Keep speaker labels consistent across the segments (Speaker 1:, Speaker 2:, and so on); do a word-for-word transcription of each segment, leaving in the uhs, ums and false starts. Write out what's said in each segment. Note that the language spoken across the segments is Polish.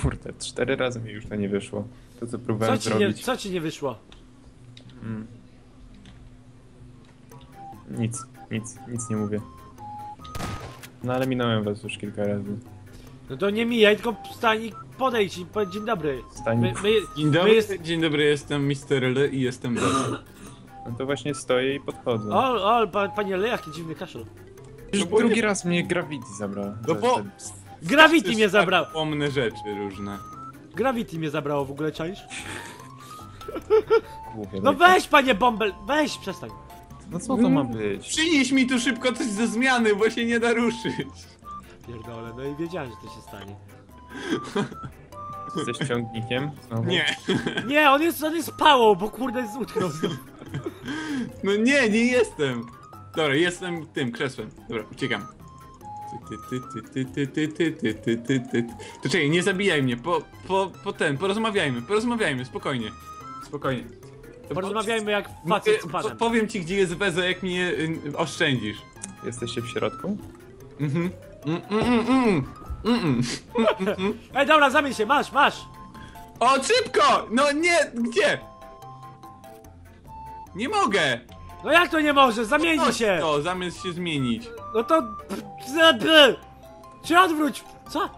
Speaker 1: Kurde, cztery razy mi już to nie wyszło. To co próbowałem
Speaker 2: Co ci,
Speaker 1: zrobić.
Speaker 2: nie, co ci nie wyszło?
Speaker 1: Mm. Nic, nic, nic nie mówię. No ale minąłem was już kilka razy.
Speaker 2: No to nie mijaj, tylko stań i podejdź i powiedz dzień dobry.
Speaker 1: Stań.
Speaker 2: My, my,
Speaker 3: Dzień dobry,
Speaker 2: my jest...
Speaker 3: dzień dobry, jestem mister L i jestem Bez.
Speaker 1: No to właśnie stoję i podchodzę.
Speaker 2: O, o, pa, panie Le, jaki dziwny kaszel.
Speaker 1: Już
Speaker 3: no bo
Speaker 1: drugi
Speaker 3: nie-
Speaker 1: raz mnie Gravity zabrała.
Speaker 3: No
Speaker 1: Za-
Speaker 3: bo...
Speaker 1: za-
Speaker 2: Gravity mnie zabrało.
Speaker 3: Pomne rzeczy różne.
Speaker 2: Gravity mnie zabrało w ogóle, czaisz?
Speaker 1: Głupie,
Speaker 2: No
Speaker 1: tak.
Speaker 2: weź, panie Bąbel, weź, przestań.
Speaker 1: No co to ma być?
Speaker 3: Przynieś mi tu szybko coś ze zmiany, bo się nie da ruszyć.
Speaker 2: Pierdolę, no i wiedziałem, że to się stanie.
Speaker 1: Jesteś ciągnikiem? Znowu?
Speaker 3: Nie.
Speaker 2: Nie, on jest, on jest pałą, bo kurde utknął znowu.
Speaker 3: No nie, nie jestem. Dobra, jestem tym krzesłem. Dobra, uciekam. Ty, ty, ty, ty, ty, ty, ty, ty, ty, ty. To czekaj, nie zabijaj mnie, po, po, po ten, porozmawiajmy, porozmawiajmy, spokojnie. Spokojnie. To
Speaker 2: Porozmawiajmy jak
Speaker 3: po-
Speaker 2: facet z
Speaker 3: po-
Speaker 2: panem.
Speaker 3: Powiem ci, gdzie jest Weza, jak mnie y, oszczędzisz.
Speaker 1: Jesteście w środku?
Speaker 3: Mhm. Mm, mm, mm, mm, mm.
Speaker 2: Ej, dobra, zamień się, masz, masz.
Speaker 3: O, szybko! No nie, gdzie? Nie mogę!
Speaker 2: No jak to nie możesz, zamieni
Speaker 3: Chodź
Speaker 2: się.
Speaker 3: to, zamiast się zmienić.
Speaker 2: No to... Czy odwróć, co?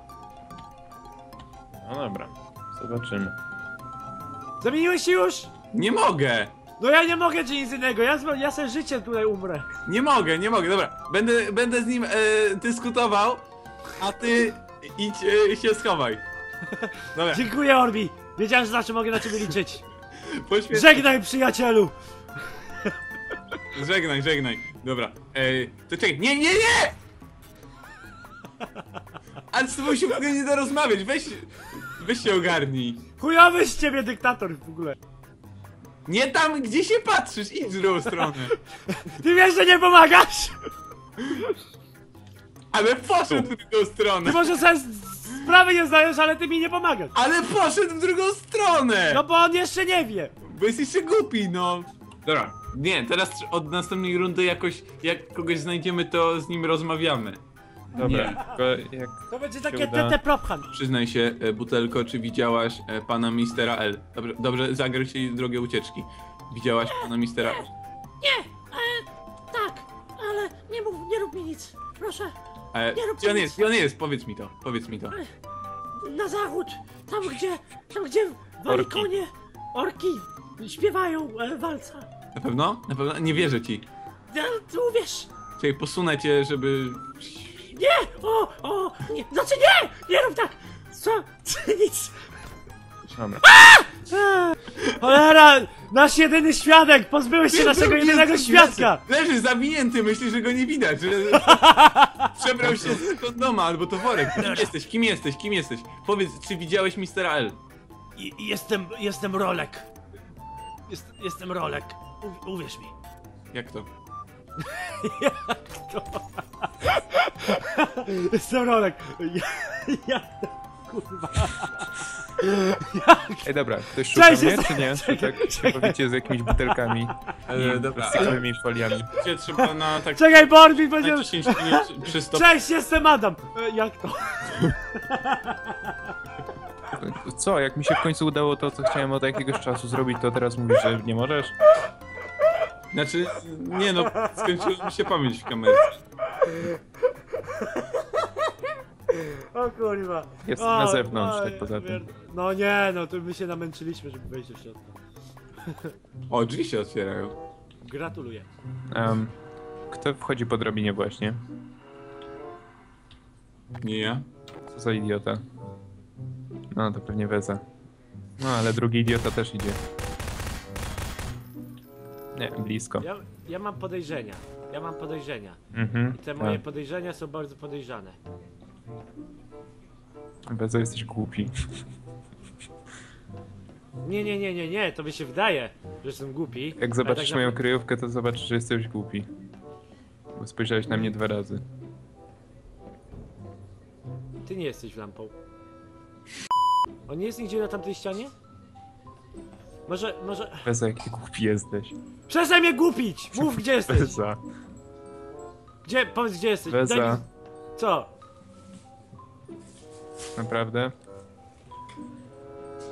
Speaker 1: No dobra, zobaczymy.
Speaker 2: Zamieniłeś się już?
Speaker 3: Nie mogę!
Speaker 2: No ja nie mogę czy nic innego, ja, z- ja se życie tutaj umrę.
Speaker 3: Nie mogę, nie mogę, dobra. Będę, będę z nim e, dyskutował, a ty idź e, się schowaj. Dobra,
Speaker 2: Dziękuję, Orbi. Wiedziałem, że zawsze mogę na ciebie liczyć.
Speaker 3: poświęć...
Speaker 2: Żegnaj, przyjacielu.
Speaker 3: Żegnaj, żegnaj. Dobra, e, to czekaj, nie, nie, nie! Ale z tobą się w ogóle nie da rozmawiać, weź, weź się ogarnij.
Speaker 2: Chujowy z ciebie dyktator w ogóle.
Speaker 3: Nie tam, gdzie się patrzysz, idź w drugą stronę.
Speaker 2: Ty wiesz, że nie pomagasz?
Speaker 3: Ale poszedł w drugą stronę.
Speaker 2: Ty może sobie z- sprawy nie zdajesz, ale ty mi nie pomagasz.
Speaker 3: Ale poszedł w drugą stronę!
Speaker 2: No bo on jeszcze nie wie.
Speaker 3: Bo jest jeszcze głupi, no. Dobra, nie, teraz od następnej rundy jakoś, jak kogoś znajdziemy, to z nim rozmawiamy.
Speaker 1: Dobra,
Speaker 3: Nie.
Speaker 1: tylko jak...
Speaker 2: To będzie
Speaker 1: się
Speaker 2: takie
Speaker 1: uda.
Speaker 2: T T prophan.
Speaker 3: Przyznaj się, e, Butelko, czy widziałaś e, pana mistera L? Dobrze, dobrze, zagraj się drogę ucieczki. Widziałaś pana mistera L?
Speaker 4: Nie, e, tak, ale nie mów, nie rób mi nic, proszę.
Speaker 3: E,
Speaker 4: Nie rób
Speaker 3: gdzie on
Speaker 4: nic.
Speaker 3: jest? Gdzie on jest? Powiedz mi to, powiedz mi to.
Speaker 4: Na zachód, tam gdzie, tam gdzie wali
Speaker 1: Orki.
Speaker 4: konie, orki śpiewają e, walca.
Speaker 3: Na pewno? Na pewno? Nie wierzę ci.
Speaker 4: Ja, ty uwierz,
Speaker 3: Czekaj, posunę cię, żeby...
Speaker 4: nie, o, o, nie, znaczy nie, nie rób tak, co, nic.
Speaker 1: Dobra.
Speaker 2: Cholera, nasz jedyny świadek, pozbyłeś się naszego jedynego świadka.
Speaker 3: Leży zawinięty, myśli, że go nie widać, że... Przebrał się z kondoma albo to worek. Kim jesteś? Kim jesteś? Kim jesteś? Powiedz, czy widziałeś mistera L?
Speaker 2: I, jestem, jestem Rolek. Jest, jestem Rolek, U, uwierz mi.
Speaker 3: Jak to?
Speaker 2: Jestem Rolek. Ja, ja, kurwa.
Speaker 1: Ej dobra, ktoś szuka
Speaker 2: Cześć,
Speaker 1: mnie,
Speaker 2: jest-
Speaker 1: czy nie? Czy tak się powiecie z jakimiś butelkami
Speaker 3: E,
Speaker 1: i
Speaker 3: dobra.
Speaker 1: plastikowymi foliami?
Speaker 3: Gdzie trzeba na tak...
Speaker 2: Czekaj, Borbi,
Speaker 3: na
Speaker 2: będzie...
Speaker 3: dziesięć minut przy stop...
Speaker 2: Cześć, jestem Adam. E, jak to?
Speaker 1: Co, jak mi się w końcu udało to, co chciałem od jakiegoś czasu zrobić, to teraz mówisz, że nie możesz?
Speaker 3: Znaczy, nie no, skończyła mi się pamięć w kamerze.
Speaker 2: O kurwa.
Speaker 1: Jest
Speaker 2: O,
Speaker 1: na zewnątrz,
Speaker 2: o,
Speaker 1: tak poza tym.
Speaker 2: pierd- No nie, no to my się namęczyliśmy, żeby wejść do środka.
Speaker 3: O, drzwi się otwierają.
Speaker 2: Gratuluję.
Speaker 1: Um, kto wchodzi po drabinie właśnie?
Speaker 3: Nie ja.
Speaker 1: Co za idiota? No, to pewnie Weza. No, ale drugi idiota też idzie. Nie, blisko.
Speaker 2: Ja, ja mam podejrzenia. Ja mam podejrzenia.
Speaker 1: Mhm.
Speaker 2: I te moje
Speaker 1: tak.
Speaker 2: podejrzenia są bardzo podejrzane.
Speaker 1: Weza, jesteś głupi.
Speaker 2: Nie, nie, nie, nie, nie, to mi się wydaje, że jestem głupi.
Speaker 1: Jak zobaczysz
Speaker 2: tak
Speaker 1: moją
Speaker 2: napra-
Speaker 1: kryjówkę, to zobaczysz, że jesteś głupi. Bo spojrzałeś na mnie dwa razy.
Speaker 2: Ty nie jesteś lampą. On nie jest nigdzie na tamtej ścianie? Może, może...
Speaker 1: Weza, jaki głupi jesteś.
Speaker 2: Przestań mnie głupić! Mów, gdzie jesteś!
Speaker 1: Weza.
Speaker 2: Gdzie, powiedz, gdzie jesteś. Daj
Speaker 1: Weza.
Speaker 2: mi- Co?
Speaker 1: Naprawdę?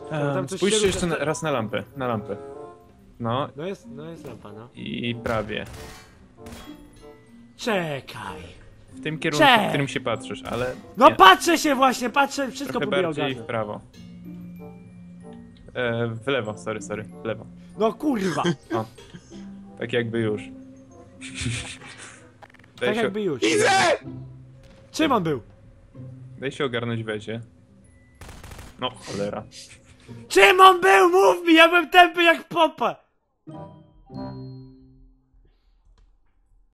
Speaker 2: tam coś
Speaker 1: Spójrzcie
Speaker 2: się
Speaker 1: jeszcze
Speaker 2: rusza-
Speaker 1: na, raz na lampę, na lampę. No
Speaker 2: No jest, no jest lampa, no.
Speaker 1: i prawie.
Speaker 2: Czekaj.
Speaker 1: W tym kierunku,
Speaker 2: Cześć!
Speaker 1: w którym się patrzysz, ale
Speaker 2: No
Speaker 1: nie,
Speaker 2: patrzę się właśnie, patrzę, wszystko
Speaker 1: trochę
Speaker 2: próbuję
Speaker 1: bardziej w
Speaker 2: ogarnąć.
Speaker 1: prawo. E, w lewo, sorry, sorry, w lewo.
Speaker 2: No kurwa,
Speaker 1: O, tak jakby już. Daj,
Speaker 2: tak
Speaker 1: się,
Speaker 2: jakby już.
Speaker 3: Widzę!
Speaker 2: Czym on był?
Speaker 1: daj się ogarnąć wezie. No, cholera.
Speaker 2: Czym on był? Mów mi, ja byłem tępy jak popa!